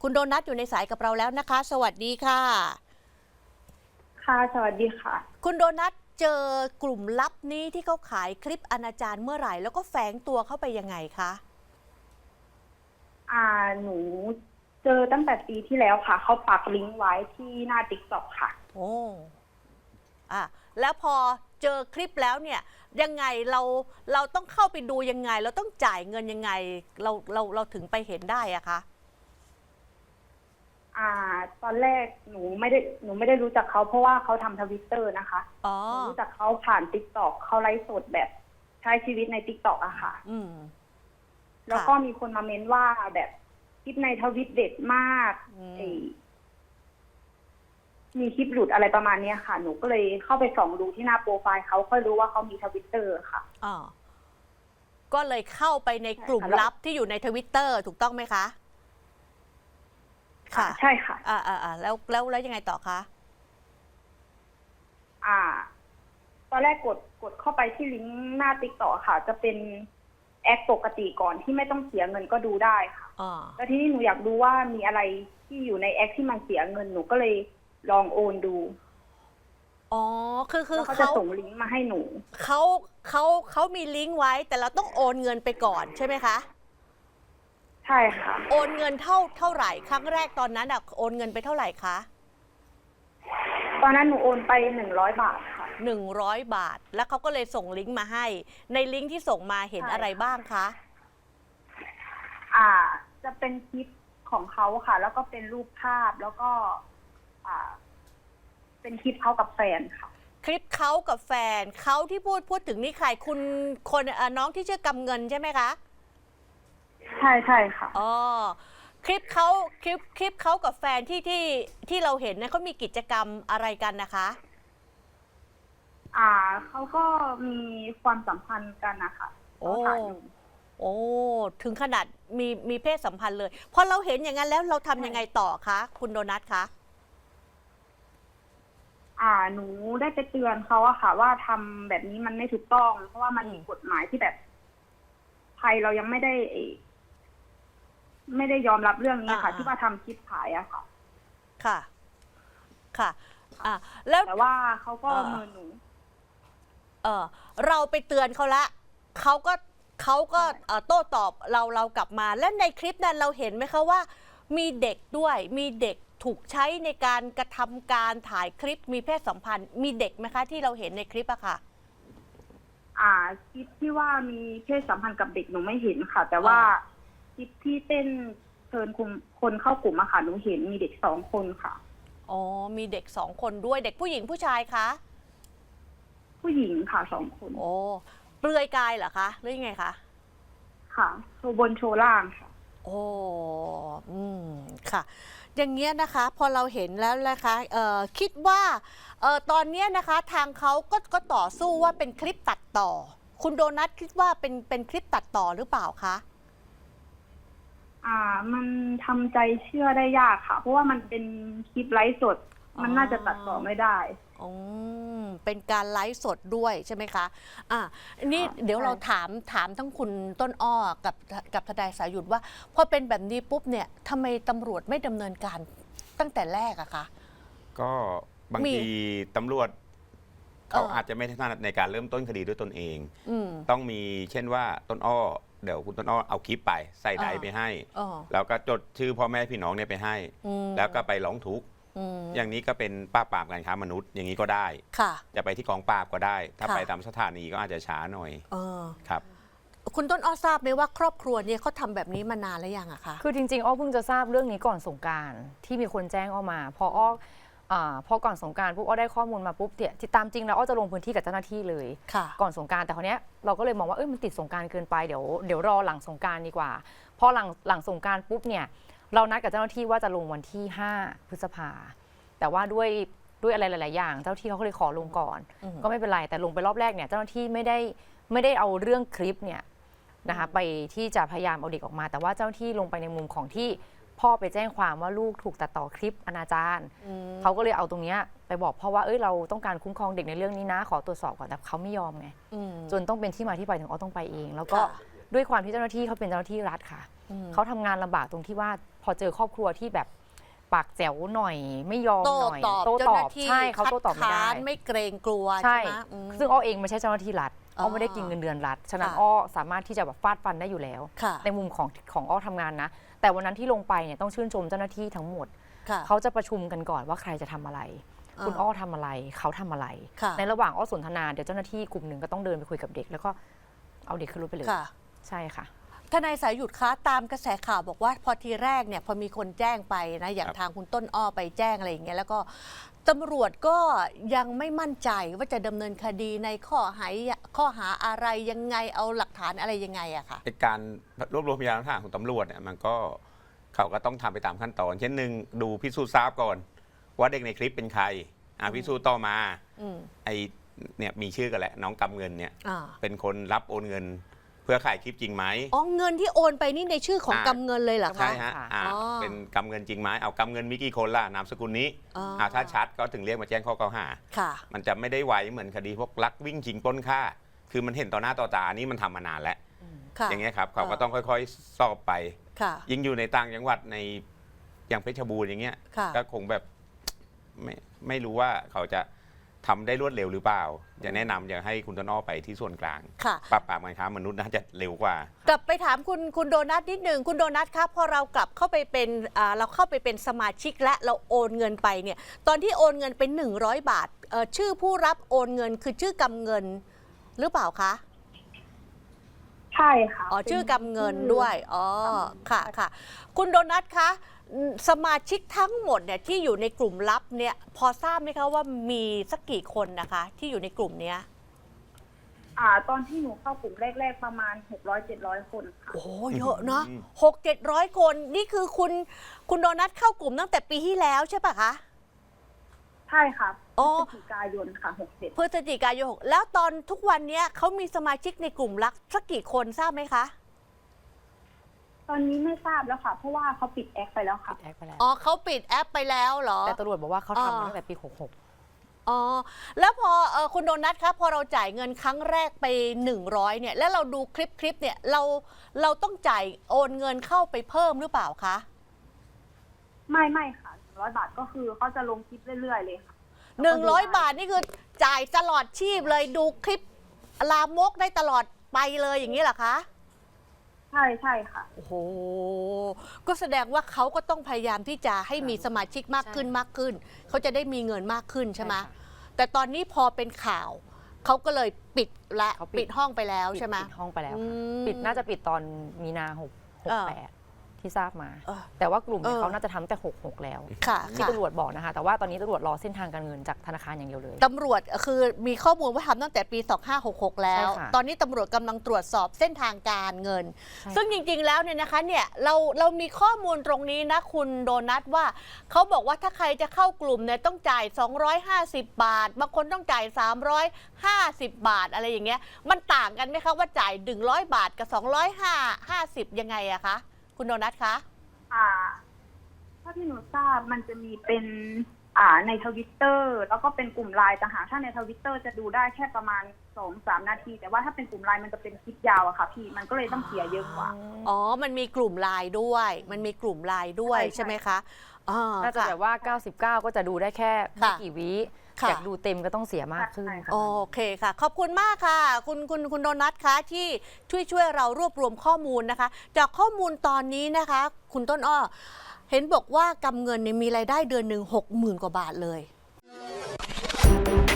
คุณโดนัทอยู่ในสายกับเราแล้วนะคะ สวัสดีค่ะค่ะสวัสดีค่ะคุณโดนัทเจอกลุ่มลับนี้ที่เขาขายคลิปอนาจารเมื่อไหร่แล้วก็แฝงตัวเข้าไปยังไงคะหนูเจอตั้งแต่ปีที่แล้วค่ะเขาปักลิงก์ไว้ที่หน้า TikTok ค่ะโอ้แล้วพอเจอคลิปแล้วเนี่ยยังไงเราต้องเข้าไปดูยังไงเราต้องจ่ายเงินยังไงเราถึงไปเห็นได้อะคะตอนแรกหนูไม่ได้รู้จักเขาเพราะว่าเขาทำทวิตเตอร์นะคะหนูรู้จักเขาผ่าน TikTok เขาไลฟ์สดแบบใช้ชีวิตใน TikTok อะค่ะแล้วก็มีคนมาเม้นว่าแบบคลิปในทวิตเด็ดมากมีคลิปหลุดอะไรประมาณนี้ค่ะหนูก็เลยเข้าไปส่องดูที่หน้าโปรไฟล์เขาค่อยรู้ว่าเขามีทวิตเตอร์ค่ะก็เลยเข้าไปในกลุ่มลับที่อยู่ในทวิตเตอร์ถูกต้องไหมคะค่ะใช่ค่ะแล้วยังไงต่อคะตอนแรกกดเข้าไปที่ลิงก์หน้า TikTok ค่ะจะเป็นแอคปกติก่อนที่ไม่ต้องเสียเงินก็ดูได้ค่ะแล้วทีนี้หนูอยากดูว่ามีอะไรที่อยู่ในแอคที่มันเสียเงินหนูก็เลยลองโอนดูคือเขาจะส่งลิงก์มาให้หนูเขามีลิงก์ไว้แต่เราต้องโอนเงินไปก่อนใช่ไหมคะใช่ค่ะโอนเงินเท่าไหร่ครั้งแรกตอนนั้นโอนเงินไปเท่าไหร่คะตอนนั้นหนูโอนไป100 บาทค่ะ 100 บาทแล้วเขาก็เลยส่งลิงก์มาให้ในลิงก์ที่ส่งมาเห็นอะไรบ้างคะจะเป็นคลิปของเขาค่ะแล้วก็เป็นรูปภาพแล้วก็เป็นคลิปเขากับแฟนค่ะคลิปเขากับแฟนเขาที่พูดถึงนี่ใครคนน้องที่ชื่อกำเงินใช่ไหมคะใช่ค่ะคลิปเขากับแฟนที่เราเห็นเนี่ยเขามีกิจกรรมอะไรกันนะคะเขาก็มีความสัมพันธ์กันนะคะถึงขนาดมีเพศสัมพันธ์เลยพอเราเห็นอย่างนั้นแล้วเราทำยังไงต่อคะคุณโดนัทคะหนูได้ไปเตือนเขาอะค่ะว่าทำแบบนี้มันไม่ถูกต้องเพราะว่ามันมีกฎหมายที่แบบไทยเรายังไม่ได้ยอมรับเรื่องนี้ค่ะที่ว่าทำคลิปขายอะค่ะค่ะแล้วแต่ว่าเขาก็เมินหนูเราไปเตือนเขาละเขาก็โต้ตอบเรากลับมาและในคลิปนั้นเราเห็นไหมคะว่ามีเด็กด้วยมีเด็กถูกใช้ในการกระทำการถ่ายคลิปมีเพศสัมพันธ์มีเด็กไหมคะที่เราเห็นในคลิปอะค่ะคลิปที่ว่ามีเพศสัมพันธ์กับเด็กหนูไม่เห็นค่ะแต่ว่าคลิปที่เต้นเชิญคนเข้ากลุ่มอะค่ะหนูเห็นมีเด็ก2 คนค่ะมีเด็ก2 คนด้วยเด็กผู้หญิงผู้ชายคะผู้หญิงค่ะ2 คนเปลือยกายเหรอคะหรือยังไงคะค่ะโชว์บนโชว์ล่างค่ะค่ะอย่างเงี้ยนะคะพอเราเห็นแล้วนะคะคิดว่าตอนนี้นะคะทางเขาก็ต่อสู้ว่าเป็นคลิปตัดต่อคุณโดนัทคิดว่าเป็นคลิปตัดต่อหรือเปล่าคะมันทำใจเชื่อได้ยากค่ะเพราะว่ามันเป็นคลิปไลฟ์สดมันน่าจะตัดต่อไม่ได้เป็นการไลฟ์สดด้วยใช่ไหมคะนี่เดี๋ยวเราถามทั้งคุณต้นอ้อกับทนายสายุทธว่าพอเป็นแบบนี้ปุ๊บเนี่ยทำไมตำรวจไม่ดำเนินการตั้งแต่แรกอะคะก็บางทีตำรวจเขาอาจจะไม่ถนัดในการเริ่มต้นคดีด้วยตนเองต้องมีเช่นว่าต้นอ้อเดี๋ยวคุณต้นอ้อเอาคลิปไปใส่ไดร์ไปให้แล้วก็จดชื่อพ่อแม่พี่น้องเนี่ยไปให้แล้วก็ไปร้องทุกข์อย่างนี้ก็เป็นปราบการค้ามนุษย์อย่างนี้ก็ได้จะไปที่กองปราบก็ได้ถ้าไปตามสถานีก็อาจจะช้าหน่อยครับคุณต้นอ้อทราบไหมว่าครอบครัวเนี่ยเขาทำแบบนี้มานานแล้วยังอะคะคือจริงๆอ้อเพิ่งจะทราบเรื่องนี้ก่อนสงกรานต์ที่มีคนแจ้งอ้อมาพอก่อนสงกรานต์ปุ๊บอ้อได้ข้อมูลมาปุ๊บเนี่ยที่ตามจริงแล้วอ้อจะลงพื้นที่กับเจ้าหน้าที่เลยก่อนสงกรานต์แต่คราวนี้เราก็เลยมองว่ามันติดสงกรานต์เกินไปเดี๋ยวรอหลังสงกรานต์ดีกว่าพอหลังสงกรานต์ปุ๊บเนี่ยเรานัดกับเจ้าหน้าที่ว่าจะลงวันที่5 พฤษภาแต่ว่าด้วยอะไรหลายๆอย่างเจ้าหน้าที่เขาก็เลยขอลงก่อนก็ไม่เป็นไรแต่ลงไปรอบแรกเนี่ยเจ้าหน้าที่ไม่ได้เอาเรื่องคลิปเนี่ยนะคะไปที่จะพยายามเอาเด็กออกมาแต่ว่าเจ้าหน้าที่ลงไปในมุมของที่พ่อไปแจ้งความว่าลูกถูกตัดต่อคลิปอนาจารเขาก็เลยเอาตรงนี้ไปบอกพ่อว่าเราต้องการคุ้มครองเด็กในเรื่องนี้นะขอตรวจสอบก่อนแต่เขาไม่ยอมไงจนต้องเป็นที่มาที่ไปถึงต้องไปเองแล้วก็ด้วยความที่เจ้าหน้าที่เขาเป็นเจ้าหน้าที่รัฐค่ะเขาทำงานลำบากตรงที่ว่าพอเจอครอบครัวที่แบบปากแจ๋วหน่อยไม่ยอมโต้หน่อยตอบโต้เจ้าตหอน้าบที่ใช่เขาโต้ตอบไม่ได้คัค้านไม่เกรงกลัวใช่ใช่ไหมอืมซึ่งอ้อเองไม่ใช่เจ้าหน้าที่รัฐอ๋ออ้อไม่ได้กินเงินเดือนรัฐฉะนั้นค่ะอ้อสามารถที่จะแบบฟาดฟันได้อยู่แล้วค่ะในมุมของอ้อทำงานนะ แต่วันนั้นที่ลงไปเนี่ยต้องชื่นชมเจ้าหน้าที่ทั้งหมดค่ะเขาจะประชุมกันก่อนว่าใครจะทำอะไรอ่าคุณอ้อทำอะไรเขาทำอะไรค่ะในระหว่างอ้อสนทนาเดี๋ยวเจ้าหน้าที่กลุ่มหนึ่งก็ต้องเดินไปคุยกับเด็ก แล้วก็เอาเด็กขึ้นรถไปเลยค่ะใช่ค่ะทนายสายหยุดคะตามกระแสข่าวบอกว่าพอทีแรกเนี่ยพอมีคนแจ้งไปนะอย่างครับทางคุณต้นอ้อไปแจ้งอะไรอย่างเงี้ยแล้วก็ตำรวจก็ยังไม่มั่นใจว่าจะดำเนินคดีในข้อหาอะไรยังไงเอาหลักฐานอะไรยังไงอะค่ะในการรวบรวมพยานหลักฐานของตำรวจเนี่ยมันก็เขาก็ต้องทำไปตามขั้นตอน เช่นหนึ่งดูพิสูจน์ทราบก่อน ว่าเด็กในคลิปเป็นใครพิสูจน์ต่อมาอืมไอเนี่ยมีชื่อกันแหละน้องกำเงินเนี่ยอ่าเป็นคนรับโอนเงิน เพื่อขายคลิปจริงไหมอ๋อเงินที่โอนไปนี่ในชื่อของกำเงินเลยเหรอใช่คะฮะอ๋อเป็นกำเงินจริงไหมเอากำเงินมีกี่คนล่ะนามสกุลนี้อ๋อถ้าชัดก็ถึงเรียกมาแจ้งข้อกล่าวหาค่ะมันจะไม่ได้ไวเหมือนคดีพวกลักวิ่งชิงปล้นฆ่า คือมันเห็นต่อหน้าต่อตานี่มันทำมานานแล้วค่ะอย่างเงี้ยครับเขาก็ต้องค่อยๆ สอบไปค่ะยิ่งอยู่ในต่างจังหวัดในอย่างเพชรบูรณ์อย่างเงี้ยค่ะก็คงแบบไม่รู้ว่าเขาจะทำได้รวดเร็วหรือเปล่าจะแนะนำอยากให้คุณต้นอ้อไปที่ส่วนกลางค่ะปราบปรามการค้ามนุษย์น่าจะเร็วกว่ากลับไปถามคุณโดนัทนิดหนึ่งคุณโดนัทครับพอเรากลับเข้าไปเป็นเราเข้าไปเป็นสมาชิกและเราโอนเงินไปเนี่ยตอนที่โอนเงินเป็น100 บาทชื่อผู้รับโอนเงินคือชื่อกำเงินหรือเปล่าคะใช่ค่ะอ๋อเป็นชื่อกำเงินด้วยอ๋อค่ะค่ะคุณโดนัทคะสมาชิกทั้งหมดเนี่ยที่อยู่ในกลุ่มลับเนี่ยพอทราบไหมคะว่ามีสักกี่คนนะคะ ที่อยู่ในกลุ่มเนี้ยตอนที่หนูเข้ากลุ่มแรกๆประมาณ600-700 คนค่ะโอ้เยอะเนาะอืม 600-700 คนนี่คือคุณโดนัทเข้ากลุ่มตั้งแต่ปีที่แล้วใช่ปะคะใช่ค่ะอ๋อพฤศจิกายนค่ะ67 พฤศจิกายน6แล้วตอนทุกวันเนี้ยเขามีสมาชิกในกลุ่มลับสักกี่คนทราบไหมคะตอนนี้ไม่ทราบแล้วค่ะ เพราะว่าเขาปิดแอคไปแล้วค่ะแอคไปแล้วอ๋อเขาปิดแอปไปแล้วเหรอแต่ตำรวจบอกว่าเขาอ๋อทำมาตั้งแต่ปี 66 อ๋อแล้วพอคุณโดนัทครับพอเราจ่ายเงินครั้งแรกไป100เนี่ยแล้วเราดูคลิปเนี่ยเราต้องจ่ายโอนเงินเข้าไปเพิ่มหรือเปล่าคะไม่ค่ะ100 บาทก็คือเขาจะลงคลิปเรื่อยๆเลยค่ะ 100 บาทนี่คือจ่ายตลอดชีพเลยดูคลิปลามกได้ตลอดไปเลยอย่างนี้เหรอคะใช่ค่ะโอ้โหก็แสดงว่าเขาก็ต้องพยายามที่จะให้มีสมาชิกมากขึ้นใช่มากขึ้นเขาจะได้มีเงินมากขึ้นใช่ไหมใช่ค่ะแต่ตอนนี้พอเป็นข่าวเขาก็เลยปิดละเขาปิดปิดห้องไปแล้วใช่ไหมปิดห้องไปแล้วอืค่ะมปิดน่าจะปิดตอนมีนาเออ 68 ที่ทราบมาเออแต่ว่ากลุ่มเนี่ยเออเขาน่าจะทำแต่ 66 แล้วค่ะที่ค่ะตำรวจบอกนะคะ แต่ว่าตอนนี้ตำรวจรอเส้นทางการเงินจากธนาคารอย่างเดียวเลยตำรวจคือมีข้อมูลว่าทำตั้งแต่ปี 2566 แล้วใช่ค่ะตอนนี้ตำรวจกำลังตรวจสอบเส้นทางการเงินใช่ซึ่งจริงๆแล้วเนี่ยนะคะเนี่ยเรามีข้อมูลตรงนี้นะคุณโดนัทว่าเขาบอกว่าถ้าใครจะเข้ากลุ่มเนี่ยต้องจ่าย 250 บาท บางคนต้องจ่าย 350 บาทอะไรอย่างเงี้ยมันต่างกันไหมคะว่าจ่าย100 บาทกับ250ยังไงอะคะคุณโดนัทคะถ้าที่หนูทราบมันจะมีเป็นในทวิตเตอร์แล้วก็เป็นกลุ่มไลน์แต่หากถ้าในทวิตเตอร์จะดูได้แค่ประมาณ 2-3 นาที แต่ว่าถ้าเป็นกลุ่มไลน์มันจะเป็นคลิปยาวอะค่ะพี่มันก็เลยต้องเสียเยอะกว่าอ๋อมันมีกลุ่มไลน์ด้วยมันมีกลุ่มไลน์ด้วยใช่ใช่ไหมคะอ๋อน่าจะค่แบบว่า 99 ก็จะดูได้แค่ไม่ค่ะกี่วิค่ะอยากดูเต็มก็ต้องเสียมากขึ้นใช่ค่ะโอเคค่ะ ขอบคุณมากค่ะ คุณโดนัทคะที่ช่วยเรารวบรวมข้อมูลนะคะ จากข้อมูลตอนนี้นะคะ คุณต้นอ้อ เห็นบอกว่ากำเงินเนี่ยมีรายได้เดือนหนึ่ง60,000 กว่าบาทเลย